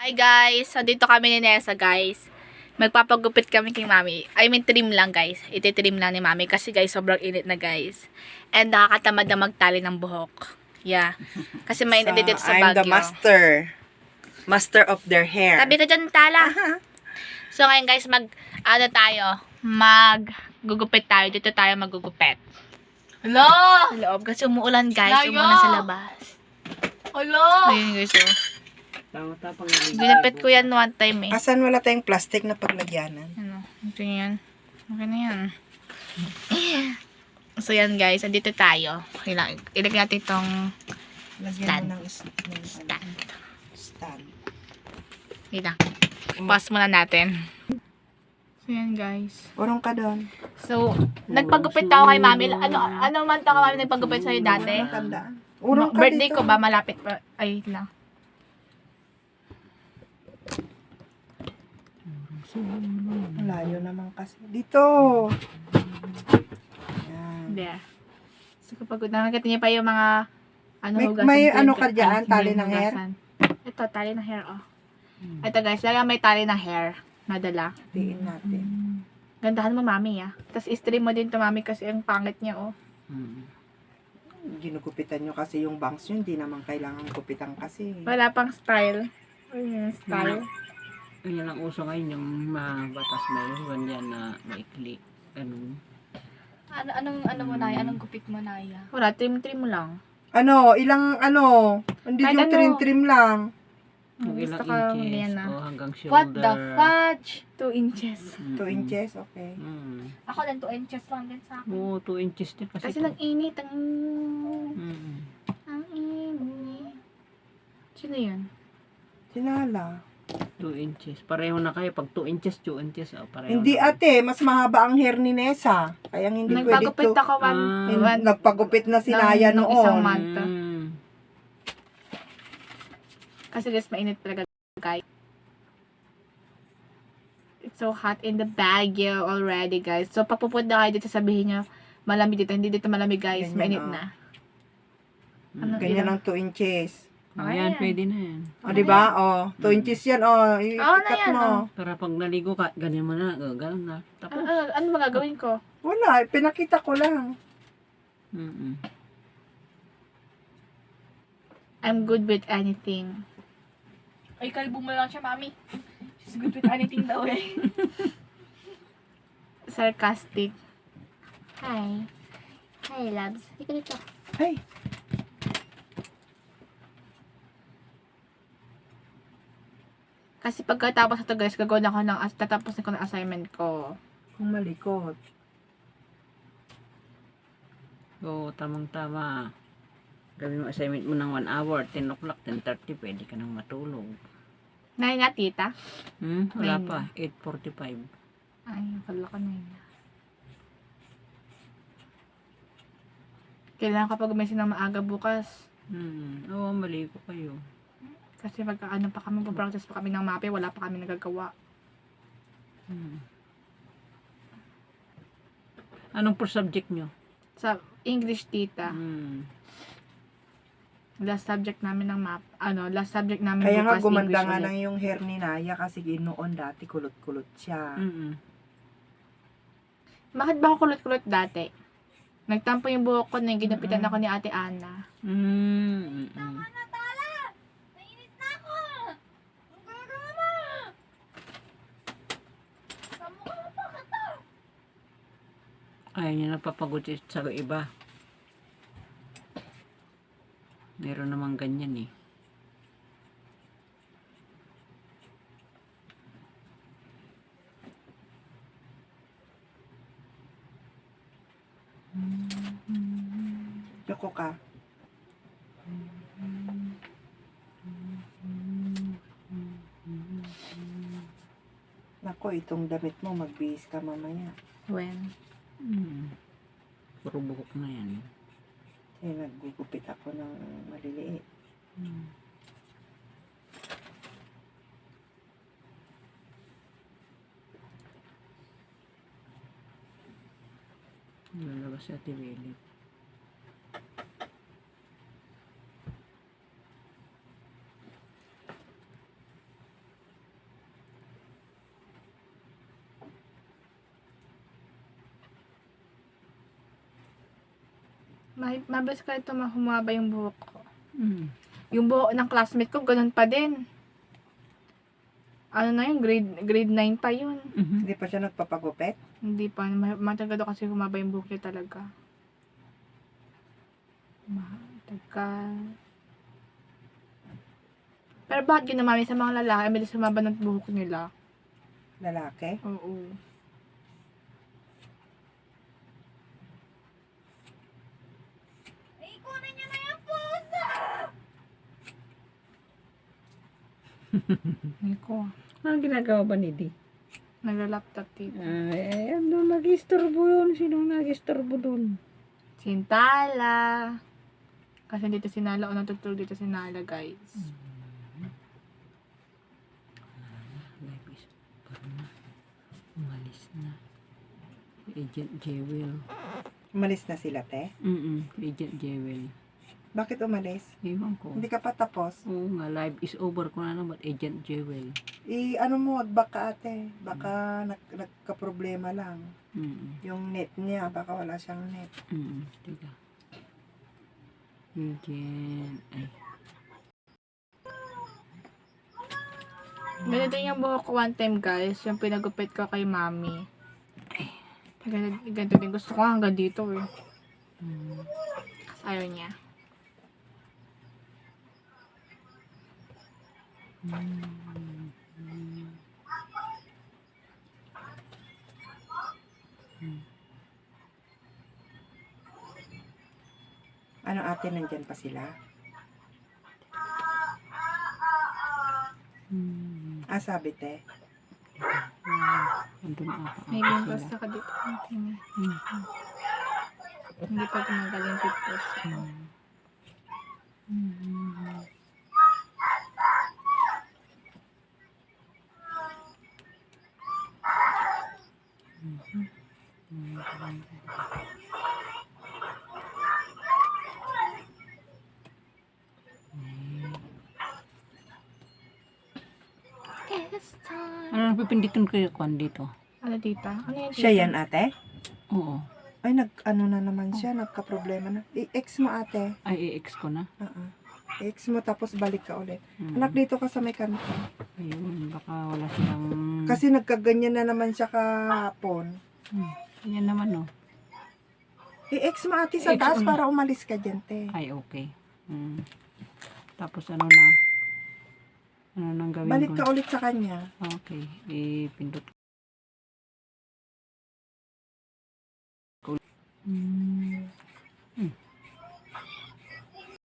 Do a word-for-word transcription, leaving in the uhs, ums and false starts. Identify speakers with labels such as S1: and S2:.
S1: Hi guys! So dito kami ni Nessa guys. Magpapagupit kami kay mami. I mean trim lang guys. Iti-trim lang ni mami kasi guys sobrang init na guys. And nakakatamad na magtali ng buhok. Yeah. Kasi may init dito sa
S2: I'm
S1: Baguio.
S2: the master. Master of their hair.
S1: Tabi ka dyan tala. So ngayon guys mag ano tayo. Mag gugupit tayo. Dito tayo magugupit.
S3: Hello!
S1: Sa loob kasi umuulan guys.
S3: Layo!
S1: Umuulan sa labas.
S3: Hello!
S1: Ayun guys oh.
S2: Tama-tapang
S1: Ginapit ko yan one time eh.
S2: Asan wala tayong plastic na paglagyanan?
S1: Ano, ito yan. Okay na yan. So, yan guys. Andito tayo. Ilag ilagay natin itong
S2: Lagyan
S1: stand.
S2: mo ng, is- ng ano,
S1: stand.
S2: stand.
S1: Ilang. Pause muna natin. So, yan guys.
S2: Urong ka doon.
S1: So, nagpagupit ako kay mami. Ano, ano man to ka mami nagpagupit sa'yo dati?
S2: Tandaan. Urong ka
S1: Birthday
S2: dito.
S1: ko ba? Malapit pa. Ay, lang.
S2: Layo naman kasi. Dito. Yan.
S1: There. So, kapag nakakita niya pa yung mga ano,
S2: May-
S1: hugasan
S2: may
S1: ko,
S2: ano
S1: yung-
S2: ka dyan?
S1: ay,
S2: Tali
S1: hindi,
S2: ng hair?
S1: hugasan. Ito, tali ng hair, oh. Ito guys, lagyan may tali ng hair. Nadala.
S2: Tiin natin.
S1: Gandahan mo, mami, ah. Tapos, i-stream mo din to, mami, kasi ang pangit niya, oh.
S2: Ginugupitan nyo kasi yung bangs nyo. Hindi naman kailangan gupitan kasi.
S1: Wala pang style. Ayun, style.
S4: Yan ang uso ngayon, yung mga batas na yun, ganyan na maikli. Ano?
S3: Ano, anong, ano mo, Naya? Anong gupit mo, Naya?
S1: Wala, trim-trim mo lang.
S2: Ano? Ilang ano? Hindi
S1: Kahit
S2: yung
S1: ano.
S2: trim-trim lang.
S4: Yung
S1: Gusto
S4: ilang
S1: ka,
S4: inches,
S1: yan na.
S4: o hanggang shoulder.
S3: What the fudge?
S1: Two inches.
S4: Mm-mm.
S2: two inches? Okay.
S4: Mm.
S3: Ako din, two inches lang din sa akin.
S4: Oo, two inches din kasi.
S1: Kasi
S4: to.
S1: nag-init. Ang...
S4: Mm.
S1: Ang init. Sino yun?
S2: Sinala.
S4: two inches. Pareho na kayo. Pag two inches, two inches. Oh, pareho
S2: Hindi
S4: na.
S2: ate, mas mahaba ang hair ni Nessa. Kaya hindi pwede
S1: Nagpagupit
S2: to.
S1: ako one,
S4: Ah.
S2: Hin-
S1: one
S2: Nagpagupit na si
S1: ng-
S2: Naya
S1: ng isang
S2: noon.
S1: month.
S4: Mm.
S1: Kasi guys, mainit talaga guys. It's so hot in the Baguio already guys. So pag pupunta kayo dito, sabihin nyo, malamig dito. Hindi dito malamig guys.
S2: Ganyan,
S1: Mainit
S2: oh.
S1: na.
S4: Mm.
S1: Ano,
S2: Ganyan
S1: ilang-
S2: ang two inches.
S4: Ayan,
S1: Ayan.
S4: pwede na yan.
S2: O, di ba? O, two
S4: Mm.
S2: inches yan. O,
S1: Oo na
S2: ikat
S1: yan,
S2: mo.
S1: oh.
S4: Para pag naligo ka, ganyan mo na. oh, Ganun na.
S1: Ano,
S4: Tapos.
S1: ano, ano magagawin ko?
S2: Wala, pinakita ko lang.
S4: Mm-mm.
S1: I'm good with anything.
S3: Ay, kalbo mo lang siya, mami. She's good with anything daw eh.
S1: Sarcastic. Hi. Hi, loves. Hindi ka dito.
S2: Ay,
S1: Kasi pagkatapos ito guys, gagawin ako ng, as- tatapos na ko ng assignment ko.
S2: kung malikot.
S4: Oo, tamang-tama. Gawin mo assignment mo ng one hour, ten o'clock, ten thirty, pwede ka nang matulog.
S1: Nay nga, tita.
S4: Hmm? Wala
S1: Nine
S4: pa, eight forty-five.
S1: Ay, kala ko na yun. Kailangan kapag gumising ng maaga bukas.
S4: Hmm. Oo, maligo kayo.
S1: Kasi pagka ano pa kami, practice pa kami ng mape, wala pa kami nagagawa.
S4: Hmm. Anong per subject nyo?
S1: Sa English, tita.
S4: Hmm.
S1: Last subject namin ng map. Ano, last subject namin
S2: Kaya nga
S1: bukas,
S2: gumanda
S1: English
S2: nga
S1: ulit.
S2: lang yung hair ni Naya kasi noon dati kulot-kulot siya.
S4: Mm-mm.
S1: Bakit ba ako kulot-kulot dati? Nagtampo yung buhok ko na ginapitan ako ni Ate Ana.
S4: Mm. Mm-mm. Ayaw niya napapagod sa iba. Meron namang ganyan eh.
S2: Yoko ka. Nako, itong damit mo, magbihis ka mamaya.
S1: When?
S4: Hmm. Puro buhok na yan.
S2: Kasi naggugupit ako ng maliliit.
S4: Hmm. Lalabas si Ate Willie.
S1: Ma- mabilis ka ito humaba yung buhok ko.
S4: Mm.
S1: Yung buhok ng classmate ko, ganun pa din. Ano na yun, grade, grade nine pa yun.
S4: Mhm.
S2: Hindi pa siya nagpapagupit?
S1: Hindi pa, ma- matagal daw kasi humaba yung buhok niya talaga. Matagal. Pero bakit yun naman sa mga lalaki, ay bilis humaba ng buhok nila?
S2: Lalaki?
S1: Oo. Ay ko,
S4: Ano ginagawa ba ni Di?
S1: nagla-laptop dito.
S4: Ay, ano nag-istorbo yun? Sinong nag-istorbo dun?
S1: Sintala. Kasi dito si Nala, o natutulog dito si Nala, guys.
S4: Life is over na. Umalis na. Agent Jewel.
S2: Umalis na sila, te?
S4: Mm Agent Jewel.
S2: Bakit umalis?
S4: Ewan ko.
S2: Hindi ka pa tapos?
S4: Oo nga, life is over ko na naman. Agent Jewel.
S2: I, ano mo, baka ate. Baka nag, nagka-problema lang.
S4: Mm
S2: Yung net niya, baka wala siyang net.
S4: mm Teka. Agent. Ay.
S1: Ganito yung buhok ko one time, guys. Yung pinagupit ko kay mami. Ganito, ganito din. Gusto ko hanggang dito, eh.
S4: Mm.
S1: Kasi ayaw niya.
S2: Ano ate, nandyan pa sila?
S4: Mm.
S2: Ah, sabi te.
S4: Andun ata
S1: May
S4: ata
S1: pimples
S4: sila.
S1: ka dito. Tingnan.
S4: Mm.
S1: Hindi pa tumagal yung pimples ko.
S4: Mm.
S1: It's time.
S4: Ano napipinditin ko yung kwan dito?
S1: Ano dito? Ano yan dito?
S2: Siya yan ate?
S4: Oo.
S2: Ay, nag, ano na naman siya, nagka-problema na. I-ex mo ate.
S4: Ay, i-ex ko na.
S2: Oo. I-ex mo tapos balik ka ulit.
S4: Mm.
S2: Anak, dito ka sa may kanto.
S4: Ayun, baka wala silang...
S2: Kasi nagkaganyan na naman siya kahapon.
S4: Hmm. Yan naman, no?
S2: I-ex mo ate sa
S4: I-ex
S2: taas
S4: mo na.
S2: para umalis ka dyan, te.
S4: Ay, okay. Mm. Tapos ano na? Ano nang gawin
S2: Balik
S4: ko?
S2: ka ulit sa kanya.
S4: Okay. Ipindot ko. Mm. Hmm.